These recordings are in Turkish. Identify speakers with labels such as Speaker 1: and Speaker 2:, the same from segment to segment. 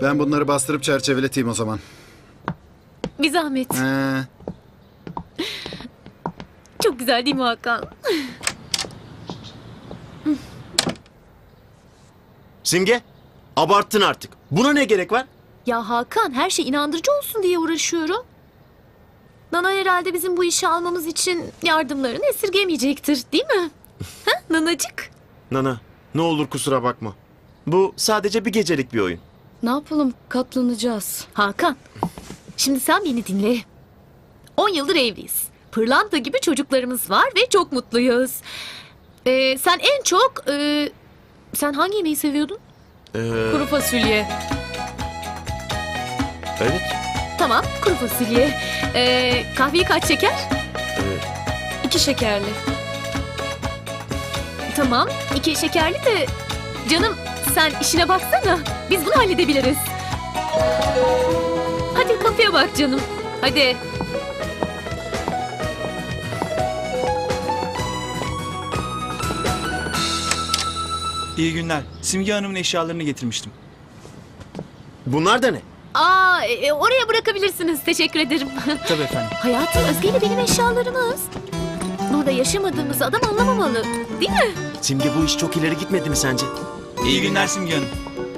Speaker 1: Ben bunları bastırıp çerçeveleteyim o zaman.
Speaker 2: Bir zahmet. Çok güzel değil mi Hakan?
Speaker 3: Simge, abarttın artık. Buna ne gerek var?
Speaker 2: Ya Hakan, her şey inandırıcı olsun diye uğraşıyorum. Nana herhalde bizim bu işi almamız için yardımlarını esirgemeyecektir, değil mi? Ha, Nanacık?
Speaker 3: Nana, ne olur kusura bakma. Bu sadece bir gecelik bir oyun.
Speaker 4: Ne yapalım? Katlanacağız.
Speaker 2: Hakan, şimdi sen beni dinle. 10 yıldır evliyiz. Pırlanta gibi çocuklarımız var ve çok mutluyuz. Sen en çok... sen hangi yemeği seviyordun?
Speaker 4: Kuru fasulye.
Speaker 3: Evet.
Speaker 2: Tamam, kuru fasulye. Kahveyi kaç şeker?
Speaker 4: 2 şekerli.
Speaker 2: Tamam, 2 şekerli de... Canım, sen işine baksana. Biz bunu halledebiliriz. Hadi kapıya bak canım. Hadi.
Speaker 5: İyi günler. Simge Hanım'ın eşyalarını getirmiştim.
Speaker 3: Bunlar da ne?
Speaker 2: Oraya bırakabilirsiniz. Teşekkür ederim.
Speaker 5: Tabii efendim.
Speaker 2: Hayatım, Özge ile benim eşyalarımız. Burada yaşamadığımız adam anlamamalı. Değil mi?
Speaker 3: Simge, bu iş çok ileri gitmedi mi sence?
Speaker 5: İyi günler Simge Hanım.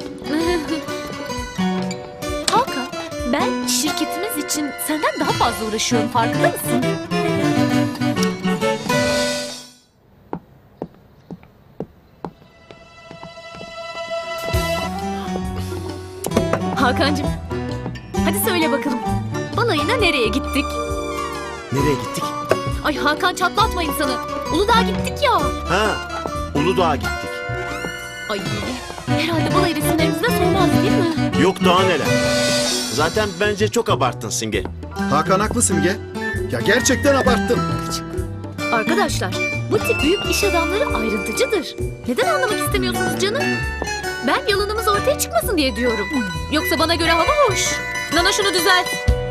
Speaker 2: Hakan, ben şirketimiz için senden daha fazla uğraşıyorum. Farkında mısın? Hakancığım, hadi söyle bakalım. Balayına nereye gittik?
Speaker 3: Nereye gittik?
Speaker 2: Ay Hakan, çatlatma insanı. Uludağ'a gittik ya.
Speaker 3: Ha, Uludağ'a gittik.
Speaker 2: Ay, herhalde balayı resimlerimizde sormaz değil mi?
Speaker 3: Yok daha neler. Zaten bence çok abarttın Simge.
Speaker 1: Hakan haklı Simge. Ya gerçekten abarttın.
Speaker 2: Arkadaşlar, bu tip büyük iş adamları ayrıntıcıdır. Neden anlamak istemiyorsunuz canım? Ben yalanımız ortaya çıkmasın diye diyorum. Yoksa bana göre hava hoş. Nana, şunu düzelt.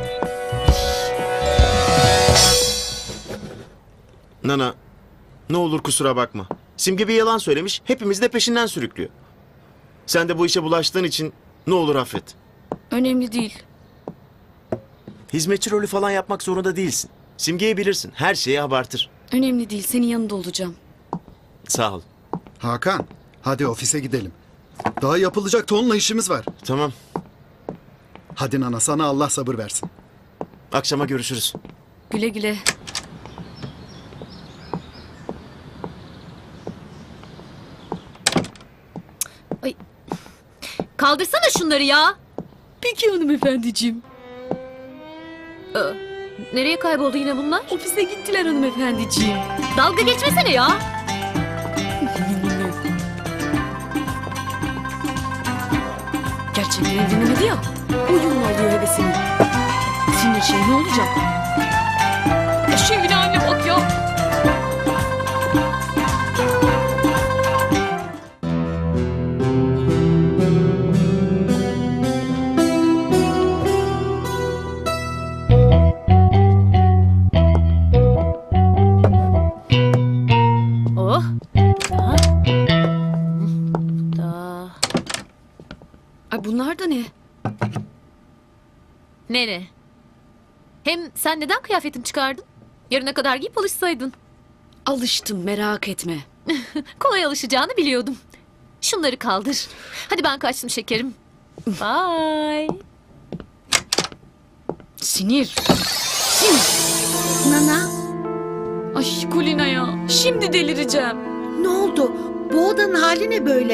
Speaker 3: Nana, ne olur kusura bakma. Simge bir yalan söylemiş, hepimizi de peşinden sürüklüyor. Sen de bu işe bulaştığın için ne olur affet.
Speaker 4: Önemli değil.
Speaker 3: Hizmetçi rolü falan yapmak zorunda değilsin. Simge'yi bilirsin, her şeyi abartır.
Speaker 4: Önemli değil. Senin yanında olacağım.
Speaker 3: Sağ ol.
Speaker 1: Hakan, hadi ofise gidelim. Daha yapılacak tonla işimiz var.
Speaker 3: Tamam,
Speaker 1: Hadi Nana, sana Allah sabır versin.
Speaker 3: akşama görüşürüz.
Speaker 4: Güle güle.
Speaker 2: Kaldırsana şunları ya.
Speaker 4: Peki hanımefendiciğim.
Speaker 2: Nereye kayboldu yine bunlar?
Speaker 4: Ofise gittiler hanımefendiciğim.
Speaker 2: Dalga geçmesene ya.
Speaker 4: Gerçekten evlenemedi ya. Oyunla alıyor hevesini. Sinir şey ne olacak? Şu evine haline bak ya.
Speaker 2: Oh. Daha. Daha.
Speaker 4: Ay bunlar da ne?
Speaker 2: Ne? Hem sen neden kıyafetini çıkardın? Yarına kadar giyip alışsaydın.
Speaker 4: Alıştım, merak etme.
Speaker 2: Kolay alışacağını biliyordum. Şunları kaldır. Hadi ben kaçtım şekerim. Bye.
Speaker 4: Sinir. Sinir.
Speaker 6: Nana,
Speaker 4: Ay Kulina ya. Şimdi delireceğim.
Speaker 6: ne oldu? Bu odanın hali ne böyle?